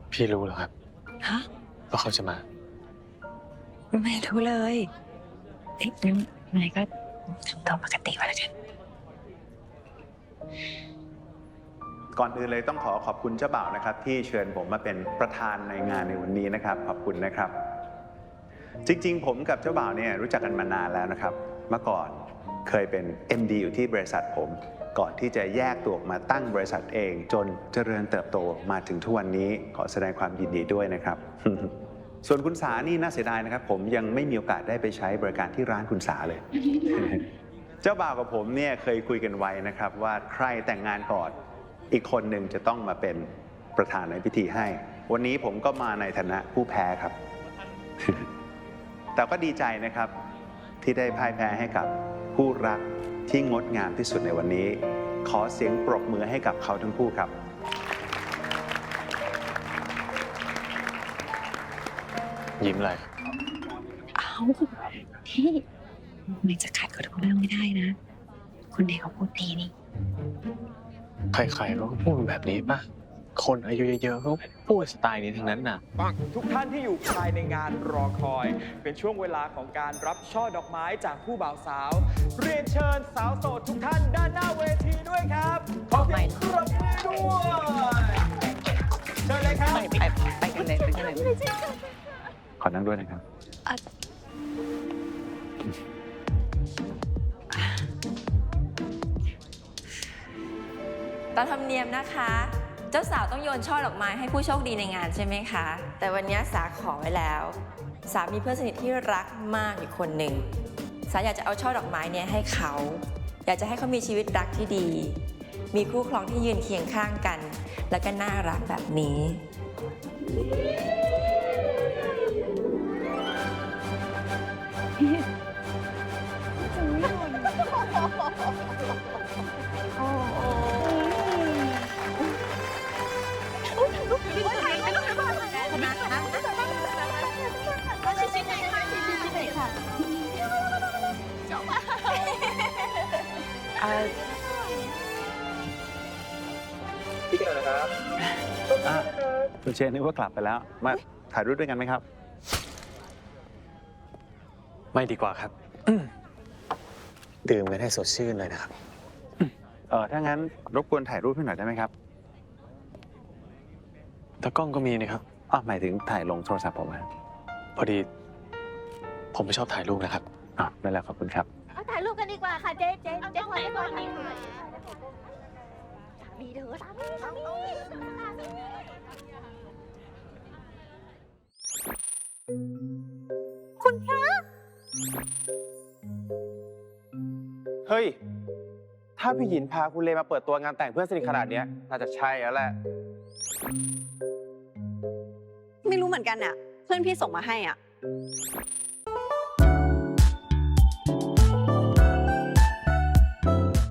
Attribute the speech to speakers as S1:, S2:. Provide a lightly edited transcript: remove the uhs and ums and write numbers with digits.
S1: พี่รู้เหรอครับ
S2: ฮะ
S1: ว่าเขาจะมา
S2: ไม่รู้เลยเอ๊ะงั้นนายก็ทำตัวปกติไว้แล้วกัน
S3: ก่อนอื่นเลยต้องขอบคุณเจ้าบ่าวนะครับที่เชิญผมมาเป็นประธานในงานในวันนี้นะครับขอบคุณนะครับ จริงๆผมกับเจ้าบ่าวเนี่ยรู้จักกันมานานแล้วนะครับเมื่อก่อนเคยเป็น MD อยู่ที่บริษัทผม ก่อนที่จะแยกตัวออกมาตั้งบริษัทเอง จนเจริญเติบโตมาถึงทุกวันนี้ขอแสดงความยินดีด้วยนะครับ ส่วนคุณสานี่น่าเสียดายนะครับผมยังไม่มีโอกาสได้ไปใช้บริการที่ร้านคุณสาเลย เจ้าบ่าวกับผมเนี่ยเคยคุยกันไว้นะครับว่าใครแต่งงานก่อนอีกคนหนึ่งจะต้องมาเป็นประธานในพิธีให้ วันนี้ผมก็มาในฐานะผู้แพ้ครับ แต่ก็ดีใจนะครับที่ได้พ่ายแพ้ให้กับผู้รักที่งดงามที่สุดในวันนี้ ขอเสียงปรบมือให้กับเขาทั้งคู่ครับ
S1: ยิ้มอะไร
S2: เอาพี่นายจะขัดกับทุกเรื่องไม่ได้นะ คนเด็กเขาพูดดีนี่
S1: ใครๆเขาก็พูดแบบนี้ป่ะ คนอายุเยอะๆเขาพูดสไตล์นี้ทั้งนั้นน่ะ
S4: ทุกท่านที่อยู่ภายในงานรอคอย เป็นช่วงเวลาของการรับช่อดอกไม้จากผู้บ่าวสาว เรียนเชิญสาวโสดทุกท่านด้านหน้าเวทีด้วยครับขอเสียงปรบมือด้วยเชิญเลยครับ
S2: ไปกันเลยไปกันเลย
S3: ขอนั่งด้วยนะครับ
S5: ตามธรรมเนียมนะคะ เจ้าสาวต้องโยนช่อดอกไม้ให้ผู้โชคดีในงานใช่ไหมคะ แต่วันนี้สาขอไว้แล้ว สามีเพื่อนสนิทที่รักมากอยู่คนหนึ่ง สาอยากจะเอาช่อดอกไม้เนี่ยให้เขา อยากจะให้เขามีชีวิตรักที่ดี มีคู่ครองที่ยืนเคียงข้างกัน แล้วก็น่ารักแบบนี้
S3: พี่เกิดครับคุณเชนนึกว่ากลับไปแล้ว มาถ่ายรูปด้วยกันไหมครับ
S1: ไม่ดีกว่าครับ ดื่มกันให้สดชื่นเลยนะครับ
S3: ถ้างั้นรบกวนถ่ายรูปให้หน่อยได้ไหมครับ
S1: ตากล้องก็มีนะครับ
S3: หมายถึงถ่ายลงโทรศัพท์ผมนะ
S1: พอดี ผมไม่ชอบถ่ายรูปนะครับ
S3: นั่นแหละขอบคุณครับ
S6: เอาถ่ายรูปกันดีกว่าค่ะเจ๊ขอให้ก่อนนี่ค่ะสามีเธอสามีคุณพระ
S4: เฮ้ย ถ้าพี่หยินพาคุณเลมาเปิดตัวงานแต่งเพื่อนสนิทขนาดเนี้ยน่าจะใช่แล้วแหละ
S7: ไม่รู้เหมือนกันอะเพื่อนพี่ส่งมาให้อะ